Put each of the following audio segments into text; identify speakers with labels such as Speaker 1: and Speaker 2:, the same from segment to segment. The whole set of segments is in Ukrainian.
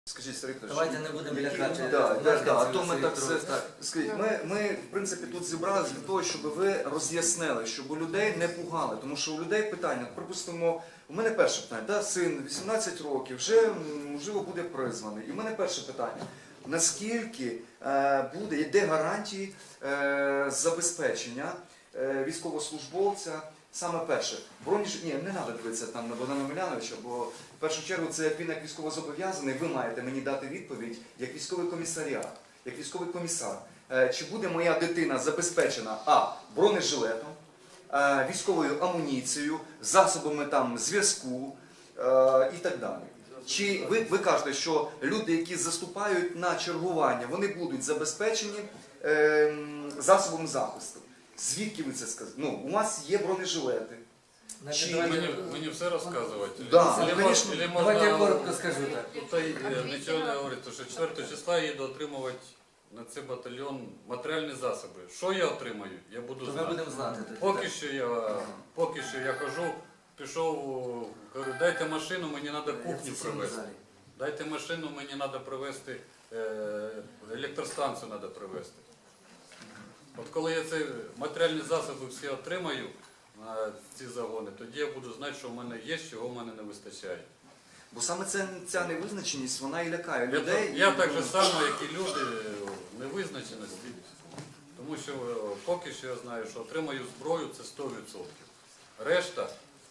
Speaker 1: Скажіть, Сергій Петрович,
Speaker 2: Давайте не будемо лякати.
Speaker 1: а то ми так все... Скажіть, ми, в принципі, тут зібралися для того, щоб ви роз'яснили, щоб у людей не пугали. Тому що у людей питання, припустимо, у мене перше питання, да, син 18 років, вже, можливо, буде призваний. І в мене перше питання, наскільки буде, де гарантії забезпечення військовослужбовця, саме перше, ні, не треба дивитися там на Богдана Омеляновича, бо в першу чергу це як він як військовозобов'язаний, ви маєте мені дати відповідь як військовий комісаріат, як військовий комісар. Чи буде моя дитина забезпечена бронежилетом, військовою амуніцією, засобами там зв'язку і так далі. Чи ви кажете, що люди, які заступають на чергування, вони будуть забезпечені засобом захисту? Звідки ви це сказали? Ну, у вас є бронежилети.
Speaker 3: Мені все розказувати?
Speaker 2: Давайте я коротко скажу так.
Speaker 3: Нічого не говорить, тому що 4 числа я їду отримувати на цей батальйон матеріальні засоби. Що я отримаю, я буду
Speaker 2: То ми
Speaker 3: знати.
Speaker 2: будемо знати.
Speaker 3: Поки що я хожу, пішов, говорю, дайте машину, мені треба кухню привезти. Дайте машину, мені треба привезти, електростанцію треба привезти. От коли я ці матеріальні засоби всі отримаю на ці загони, тоді я буду знати, що в мене є, чого в мене не вистачає.
Speaker 1: Бо саме ця невизначеність, вона і лякає людей.
Speaker 3: Я так же само, як і люди, невизначеності. Тому що поки що я знаю, що отримаю зброю – це 100%. Решта...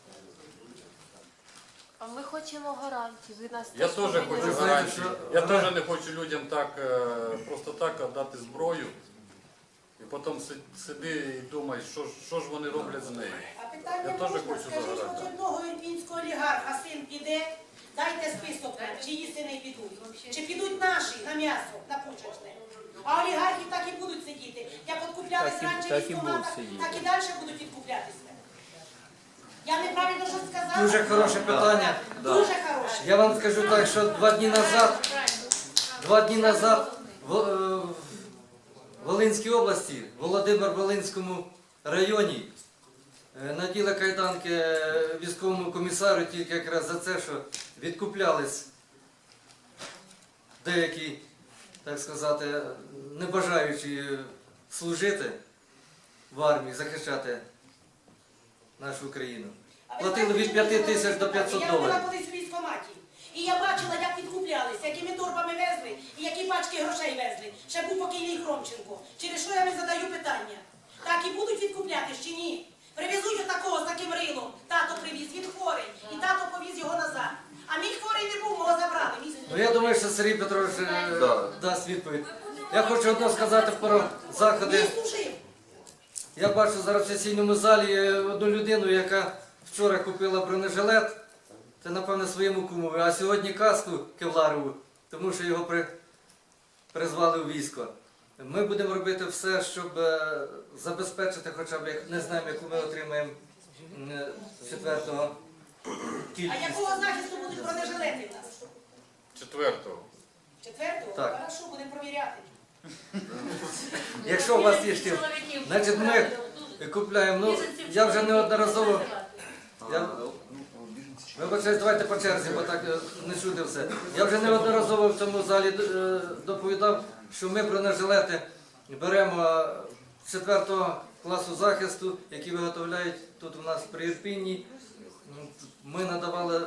Speaker 4: А ми хочемо гарантії. Ви нас
Speaker 3: Я теж хочу гарантії. Я теж не хочу людям так, просто так віддати зброю. І потім сиди і думай, що ж вони роблять з нею.
Speaker 5: А питання
Speaker 3: Я теж
Speaker 5: можна,
Speaker 3: хочу
Speaker 5: скажіть,
Speaker 3: загадати.
Speaker 5: хоч одного ірпінського олігарха син піде, дайте список, чиї сини підуть. Чи підуть наші на м'ясо, на пучечне. А олігархи так і будуть сидіти. Як відкуплялись раніше в військкоматах, так і далі будуть відкуплятися. Я неправильно щось сказала?
Speaker 2: Дуже хороше питання.
Speaker 5: Дуже хороше.
Speaker 2: Я вам скажу так, що 2 дні назад в Волинській області, в Володимир-Волинському районі, наділи кайданки військовому комісару тільки якраз за це, що відкуплялись деякі, так сказати, не бажаючі служити в армії, захищати нашу Україну. Платили від 5 тисяч до 500
Speaker 5: Я була
Speaker 2: доларів.
Speaker 5: колись у військкоматі. І я бачила, як відкуплялися, якими торбами везли і які пачки грошей везли. Ще був покійний Хромченко. Через що я не задаю питання? Так і будуть відкуплятись чи ні? Привезуть отакого з таким рилом. Тато привіз, він хворий. І тато повіз його назад. А мій хворий не був, мого забрали.
Speaker 2: Ну, я думаю, що Сергій Петрович дасть відповідь. Я хочу одно сказати про заходи.
Speaker 5: Він служив.
Speaker 2: Я бачу зараз в сесійному залі одну людину, яка вчора купила бронежилет, це, напевно, своєму кумові, а сьогодні каску кевларову, тому що його призвали у військо. Ми будемо робити все, щоб забезпечити хоча б, не знаємо, яку ми отримаємо 4-го кількість.
Speaker 5: А якого захисту будуть бронежилети в нас?
Speaker 3: 4-го.
Speaker 5: 4-го?
Speaker 2: Так.
Speaker 5: Хорошо, будемо провіряти.
Speaker 2: Якщо у вас є штіл, значить ми купляємо, ну, я вже неодноразово, вибачаюсь, давайте по черзі, бо так не чути все. Я вже неодноразово в цьому залі доповідав, що ми бронежилети беремо з 4-го класу захисту, які виготовляють тут у нас при Ірпінні. Ми надавали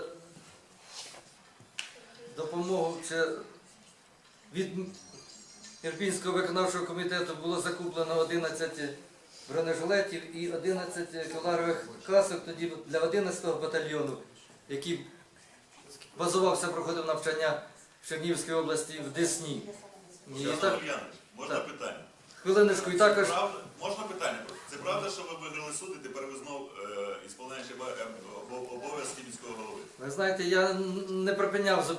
Speaker 2: допомогу від Ірпінського виконавчого комітету було закуплено 11 бронежилетів і 11 кевларових касок тоді для 11-го батальйону, який базувався, проходив навчання в Чернігівській області в Десні.
Speaker 6: Можна питання?
Speaker 2: Хвилиночку, і також...
Speaker 6: Можна питання? Це правда, що ви виграли суд і тепер ви знову ісполняючи обов'язки міського голови?
Speaker 2: Ви знаєте, я не припиняв,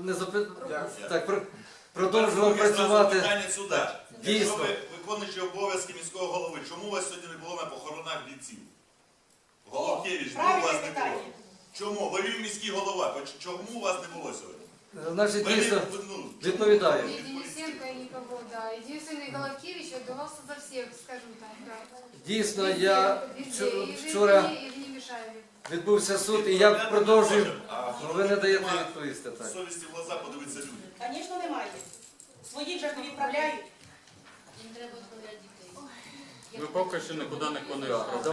Speaker 2: продовжував працювати.
Speaker 6: Питання сюди. Якщо
Speaker 2: Дійсно.
Speaker 6: ви виконуючи обов'язки міського голови, чому у вас сьогодні не було на похоронах бійців? Головкевич, чому у вас
Speaker 5: Правильне
Speaker 6: не
Speaker 5: питання.
Speaker 6: було? Чому? Ви міський голова. Чому у вас не було сьогодні?
Speaker 2: Значить,
Speaker 6: Ви
Speaker 2: дійсно,
Speaker 6: ну,
Speaker 2: відповідаю.
Speaker 7: И Денисенко, и никого, да. Единственный Головкевич отдавался за всех, скажем так, да.
Speaker 2: Дійсно,
Speaker 7: Везде,
Speaker 2: я
Speaker 7: везде. И в
Speaker 2: вчора...
Speaker 7: Ірпені, и в Немішаєві.
Speaker 2: відбувся суд, і я продовжую.
Speaker 6: А
Speaker 2: Ну, ви не даєте
Speaker 6: нема
Speaker 2: відповісти так.
Speaker 6: совісті в глаза подивитися людям.
Speaker 5: Звісно, немає. Своїх же ж не відправляють.
Speaker 7: Їм треба відправляти дітей.
Speaker 3: Ми поки що нікуди не клонили.